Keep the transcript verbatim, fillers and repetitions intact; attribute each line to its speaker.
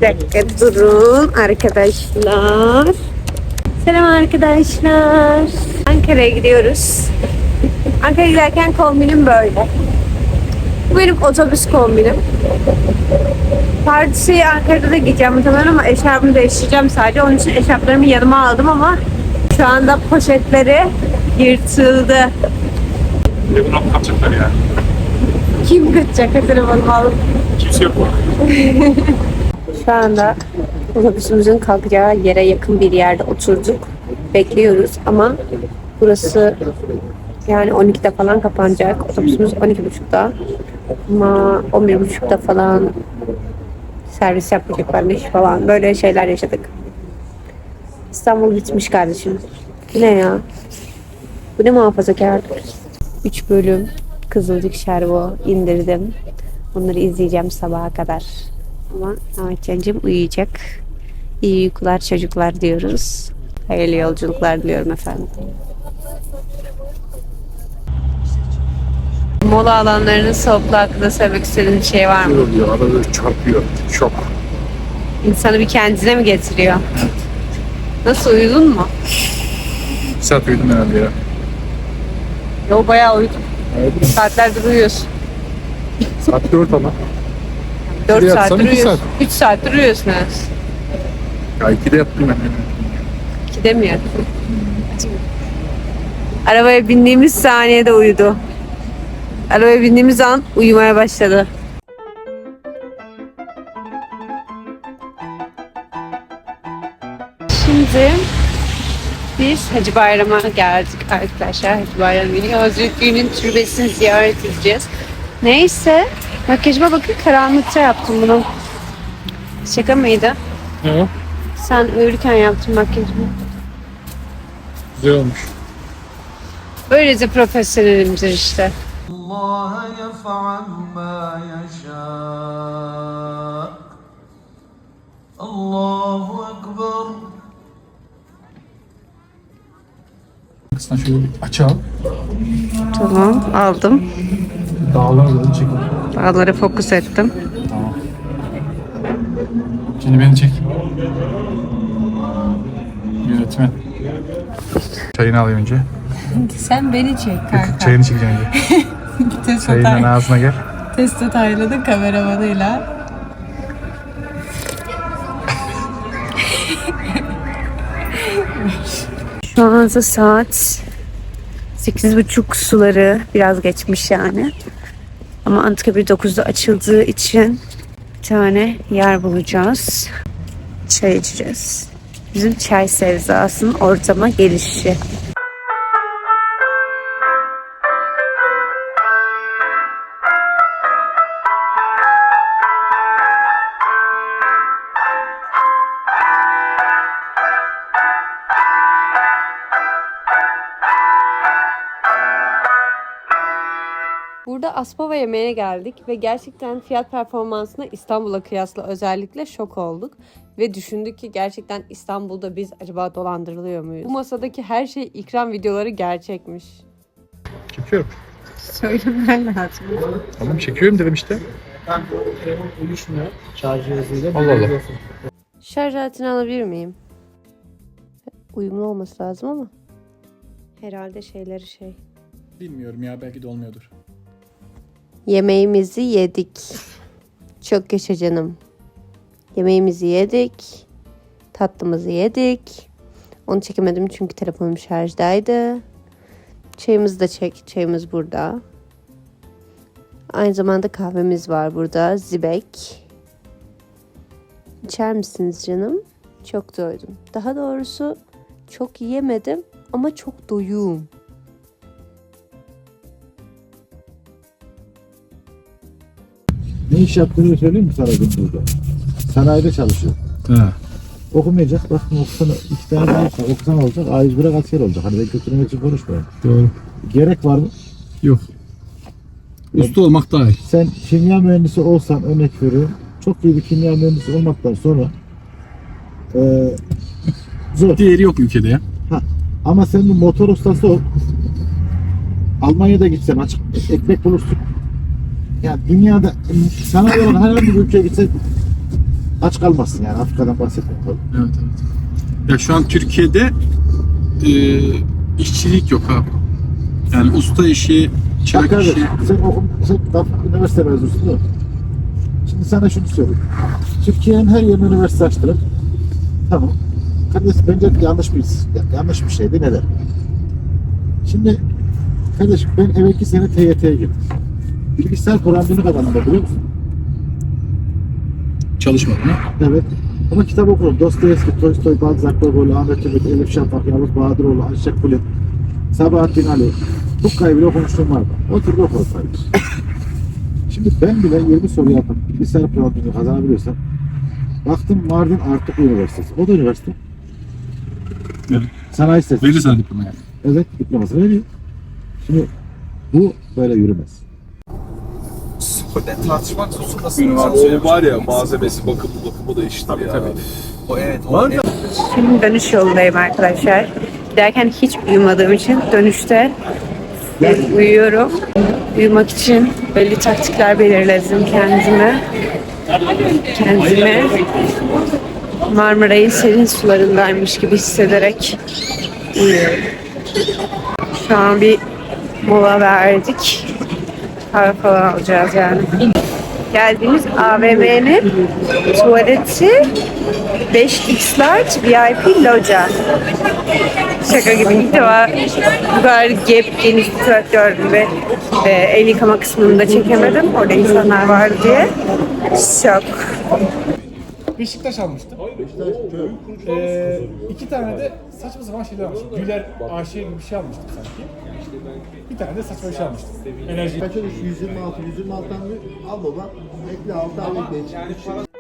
Speaker 1: dakika durun arkadaşlar. Selam arkadaşlar. Ankara'ya gidiyoruz. Ankara'ya giderken kombinim böyle. Bu benim otobüs kombinim. Partisi Ankara'da da gideceğim muhtemelen ama eşarpımı değiştireceğim sadece. Onun için eşarplarımı yanıma aldım ama şu anda poşetleri yırtıldı.
Speaker 2: Telefonum kapacaklar ya.
Speaker 1: Kim kaçacak telefonumu alıp?
Speaker 2: Kimse yok mu?
Speaker 1: Şu anda otobüsümüzün kalkacağı yere yakın bir yerde oturduk. Bekliyoruz ama burası yani on ikide falan kapanacak. Otobüsümüz on iki buçukta ama on bir buçukta falan servis yapacaklarmış falan. Böyle şeyler yaşadık. İstanbul bitmiş kardeşim. Bu ne ya? Bu ne muhafazakarlık? üç bölüm Kızılcık Şerbo indirdim. Onları izleyeceğim sabaha kadar. Ama Ahmetcan'cığım uyuyacak. İyi uykular çocuklar diyoruz. Hayırlı yolculuklar diliyorum efendim. Mola alanlarının soğukluğu hakkında söylemek istediğin bir şey var mı?
Speaker 2: Oluyor, arada çarpıyor. Şok.
Speaker 1: İnsanı bir kendine mi getiriyor? Nasıl, uyudun mu?
Speaker 2: Bir saat uyudum herhalde ya.
Speaker 1: Yo, bayağı uyudum.
Speaker 2: Evet.
Speaker 1: Saatlerdir uyuyorsun.
Speaker 2: Saat dört ama.
Speaker 1: dört
Speaker 2: yatsam
Speaker 1: saattir
Speaker 2: iki
Speaker 1: uyuyorsun.
Speaker 2: saat.
Speaker 1: üç saattir uyuyorsun evet.
Speaker 2: Ya ikide yattım ben.
Speaker 1: İkide mi yattın? Arabaya bindiğimiz saniyede uyudu. Arabaya bindiğimiz an uyumaya başladı. Şimdi biz Hacı Bayram'a geldik arkadaşlar. Hacı Bayram günü Hazretli'nin türbesini ziyaret edeceğiz. Neyse, makyajıma bakın, karanlıkta yaptım bunu. Şaka mıydı?
Speaker 2: Ne o?
Speaker 1: Sen uyurken yaptın makyajımı.
Speaker 2: Güzel olmuş.
Speaker 1: Böylece profesyonelimdir işte.
Speaker 3: Allah yef'al ma yasha. Allahu ekber.
Speaker 2: Aslında şöyle bir açalım.
Speaker 1: Tamam, aldım.
Speaker 2: Dağları da çekin.
Speaker 1: Dağları fokus ettim.
Speaker 2: Tamam. Şimdi beni çek. Yönetmen. Çayını alayım önce.
Speaker 1: Sen beni çek kanka.
Speaker 2: Çayını çekeceğim önce. Çayının ağzına gel.
Speaker 1: Testo Taylan'ın kameramanıyla. Şu anda saat sekiz buçuk suları, biraz geçmiş yani. Ama Anıtkabir dokuzda açıldığı için bir tane yer bulacağız. Çay içeceğiz. Bizim çay sevdasının ortama gelişi. Burada Aspava yemeğe geldik ve gerçekten fiyat performansına İstanbul'a kıyasla özellikle şok olduk. Ve düşündük ki gerçekten İstanbul'da biz acaba dolandırılıyor muyuz? Bu masadaki her şey ikram videoları gerçekmiş.
Speaker 2: Çekiyorum.
Speaker 1: Söylemen lazım.
Speaker 2: Tamam çekiyorum dedim işte.
Speaker 4: Uyuşmuyor. Şarj cihazıyla.
Speaker 2: Allah Allah.
Speaker 1: Şarj aletini alabilir miyim? Uyumlu olması lazım ama. Herhalde şeyleri şey.
Speaker 2: Bilmiyorum ya, belki de olmuyordur.
Speaker 1: Yemeğimizi yedik. Çok yaşa canım. Yemeğimizi yedik. Tatlımızı yedik. Onu çekemedim çünkü telefonum şarjdaydı. Çayımızı da çek. Çayımız burada. Aynı zamanda kahvemiz var burada. Zibek. İçer misiniz canım? Çok doydum. Daha doğrusu çok yemedim ama çok doyum.
Speaker 5: Ne iş yaptığını söyleyeyim mi sana burada? Sanayide çalışıyor.
Speaker 2: He.
Speaker 5: Okumayacak. Baktım okusana iki tane daha olsa okusan olacak. A yüz bırak asker olacak. Hani ben kötülemek için konuşmuyorum.
Speaker 2: Doğru.
Speaker 5: Gerek var mı?
Speaker 2: Yok. Usta olmak daha iyi.
Speaker 5: Sen kimya mühendisi olsan, örnek veriyorum. Çok iyi bir kimya mühendisi olmaktan sonra e, zor.
Speaker 2: Diğeri yok ülkede ya.
Speaker 5: Ha. Ama sen bir motor ustası ol. Almanya'da gitsen açık ekmek bulursun. Ya dünyada sana olan herhangi bir ülkeye gitsen aç kalmazsın yani. Afrika'dan bahsetmiyorum tabii.
Speaker 2: Evet evet. Ya şu an Türkiye'de e, işçilik yok abi. Yani usta işi,
Speaker 5: Bak
Speaker 2: çırak
Speaker 5: kardeş,
Speaker 2: işi.
Speaker 5: sen okum, sen tam üniversite mezunusun değil mi? Şimdi sana şunu söyleyeyim. Türkiye'nin her yerine üniversite açtırıp tamam. Kardeş bence yanlış bir yanlış bir şeydi. Neden? Şimdi kardeş ben evvelki sene T Y T'ye girdim. Bilgisayar programını kazandım da biliyor musun?
Speaker 2: Çalışmadın ha?
Speaker 5: Evet. Ama kitap okudum. Dostoyevski, Tolstoy, Balzac, Gogol, Ahmet Ümit, Elif Şafak, Yavuz Bahadıroğlu, Ayşe Kulit, Sabahattin Ali. Tukkay'ı bile okumuşluğum vardı. O türlü okudum kardeş. Şimdi ben bile yirmi soru yapıp bilgisayar programını kazanabiliyorsam baktım Mardin Artuk Üniversitesi. O da üniversite.
Speaker 2: Evet.
Speaker 5: Sanayi sitesi.
Speaker 2: Verir sana diploma yani.
Speaker 5: Evet, diplomasını veriyor. Şimdi bu böyle yürümez.
Speaker 6: Tartışmak hususunda
Speaker 7: Benim abi o var ya malzemesi bakımı bakımı da işte tabii, ya. Tabii.
Speaker 6: o evet o evet.
Speaker 1: Şimdi dönüş yolundayım arkadaşlar. Giderken hiç uyumadığım için dönüşte bir uyuyorum. Uyumak için belli taktikler belirledim kendime. Kendime Marmaray'ın serin sularındaymış gibi hissederek uyuyorum. Şu an bir mola verdik. Kahve falan alacağız yani. Geldiğimiz A V M'nin tuvaleti beş x large V I P loca. Şaka gibi ilk defa bu kadar gap geniş bir tuvalet gördüm ve e, el yıkama kısmını da çekemedim. Orada insanlar vardı diye. Şok.
Speaker 4: Beşiktaş almıştım. Ee, iki tane de saçma sapan şeyler almıştım. Güler A Ş gibi bir şey almıştım sanki. Bir tane de saçma bir şey almıştım. Enerji.
Speaker 5: Kaç olmuş? yüz yirmi altı, yüz yirmi altıdan al baba. Ekle altı ay bekle.